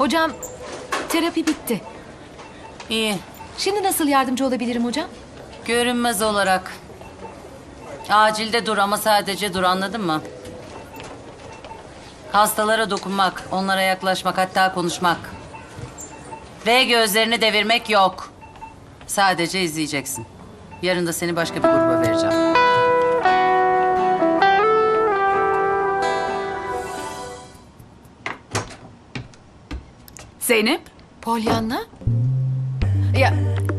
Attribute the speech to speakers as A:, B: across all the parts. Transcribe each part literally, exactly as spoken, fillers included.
A: Hocam, terapi bitti.
B: İyi.
A: Şimdi nasıl yardımcı olabilirim hocam?
B: Görünmez olarak. Acilde dur ama sadece dur, anladın mı? Hastalara dokunmak, onlara yaklaşmak, hatta konuşmak. Ve gözlerini devirmek yok. Sadece izleyeceksin. Yarın da seni başka bir gruba vereceğim.
C: Zeynep,
A: Pollyanna? Ya...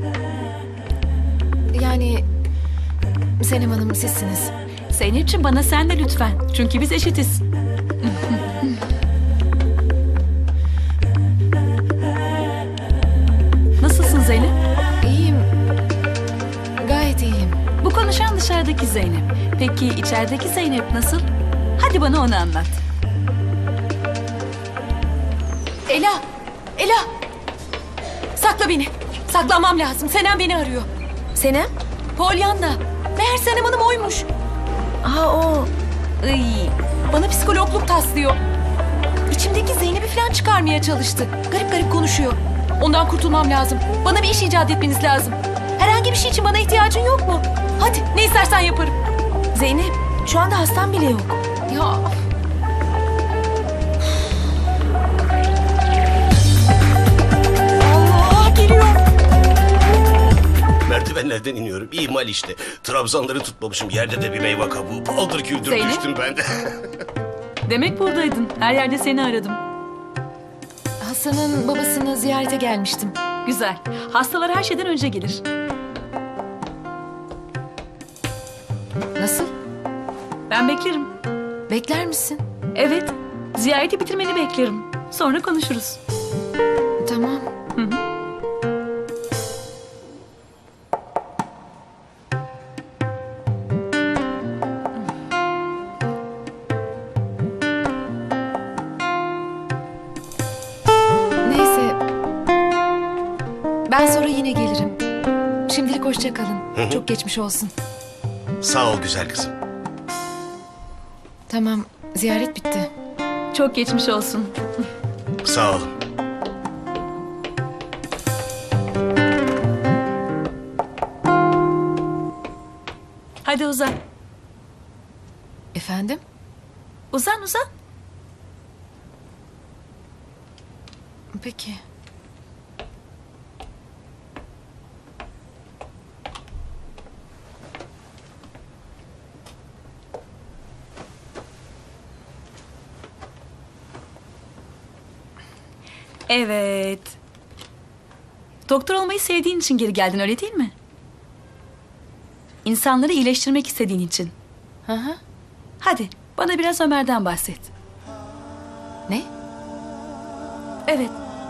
A: Yani... Senem Hanım sizsiniz.
C: Zeynep'ciğim bana sen de lütfen. Çünkü biz eşitiz. Nasılsın Zeynep?
A: İyiyim. Gayet iyiyim.
C: Bu konuşan dışarıdaki Zeynep. Peki içerideki Zeynep nasıl? Hadi bana onu anlat.
A: Ela! Ela! Sakla beni. Saklanmam lazım. Senem beni arıyor. Senem? Pollyanna. Meğer Senem Hanım oymuş. Aa o. Iy. Bana psikologluk taslıyor. İçimdeki Zeynep'i falan çıkarmaya çalıştı. Garip garip konuşuyor. Ondan kurtulmam lazım. Bana bir iş icat etmeniz lazım. Herhangi bir şey için bana ihtiyacın yok mu? Hadi ne istersen yaparım. Zeynep şu anda hastam bile yok. Ya... Allah geliyor.
D: Merdivenlerden iniyorum. İhmal işte. Trabzanları tutmamışım. Yerde de bir meyve kabuğu. Paldır küldür
C: Zeynep?
D: düştüm ben de.
C: Demek buradaydın. Her yerde seni aradım.
A: Hasan'ın babasını ziyarete gelmiştim.
C: Güzel. Hastalar her şeyden önce gelir.
A: Nasıl?
C: Ben beklerim.
A: Bekler misin?
C: Evet. Ziyareti bitirmeni beklerim. Sonra konuşuruz.
A: Tamam.
C: Hı hı.
A: Neyse. Ben sonra yine gelirim. Şimdilik hoşça kalın. Çok geçmiş olsun.
D: Sağ ol güzel kızım.
A: Tamam, ziyaret bitti.
C: Çok geçmiş olsun.
D: Sağ olun.
C: Hadi uzan.
A: Efendim?
C: Uzan uzan.
A: Peki.
C: Evet. Doktor olmayı sevdiğin için geri geldin, öyle değil mi? İnsanları iyileştirmek istediğin için.
A: Hı hı.
C: Hadi bana biraz Ömer'den bahset.
A: Ne?
C: Evet.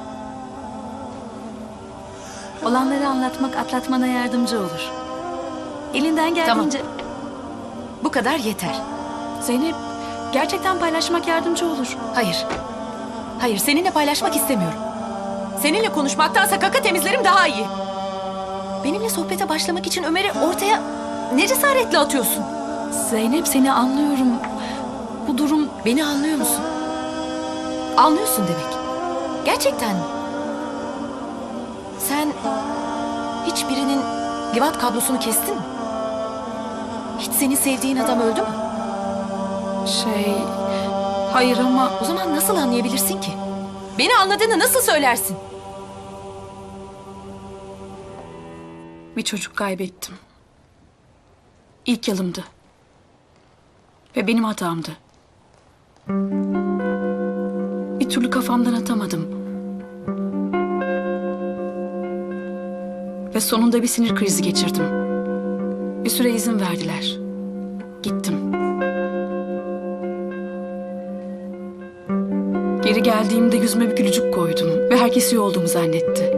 C: Olanları anlatmak atlatmana yardımcı olur. Elinden geldiğince...
A: Bu kadar yeter.
C: Zeynep, gerçekten paylaşmak yardımcı olur.
A: Hayır. Hayır, seninle paylaşmak istemiyorum. Seninle konuşmaktansa kaka temizlerim daha iyi. Benimle sohbete başlamak için Ömer'i ortaya ne cesaretle atıyorsun?
C: Zeynep, seni anlıyorum. Bu durum...
A: Beni anlıyor musun? Anlıyorsun demek. Gerçekten mi? Sen hiç birinin livat kablosunu kestin mi? Hiç seni sevdiğin adam öldü mü?
C: Şey... Hayır ama...
A: O zaman nasıl anlayabilirsin ki? Beni anladığını nasıl söylersin?
C: Bir çocuk kaybettim. İlk yılımdı. Ve benim hatamdı. Bir türlü kafamdan atamadım. Ve sonunda bir sinir krizi geçirdim. Bir süre izin verdiler. Gittim. Geri geldiğimde yüzüme bir gülücük koydum ve herkes iyi olduğumu zannetti.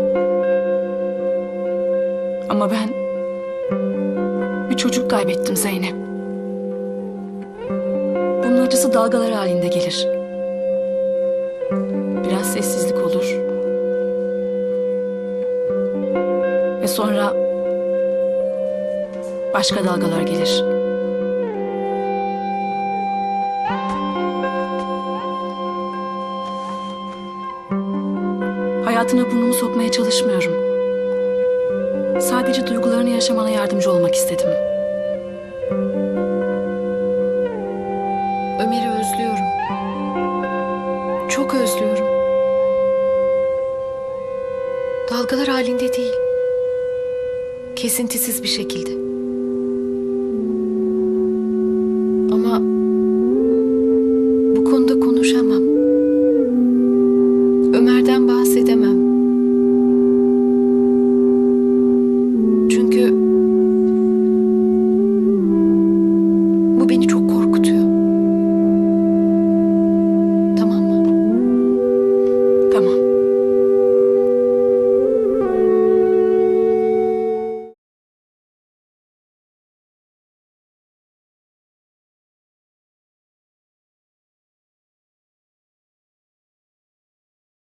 C: Ama ben bir çocuk kaybettim Zeynep. Bunun acısı dalgalar halinde gelir. Biraz sessizlik olur. Ve sonra başka dalgalar gelir. hayatına burnumu sokmaya çalışmıyorum. Sadece duygularını yaşamana yardımcı olmak istedim.
A: Ömer'i özlüyorum. Çok özlüyorum. Dalgalar halinde değil. Kesintisiz bir şekilde.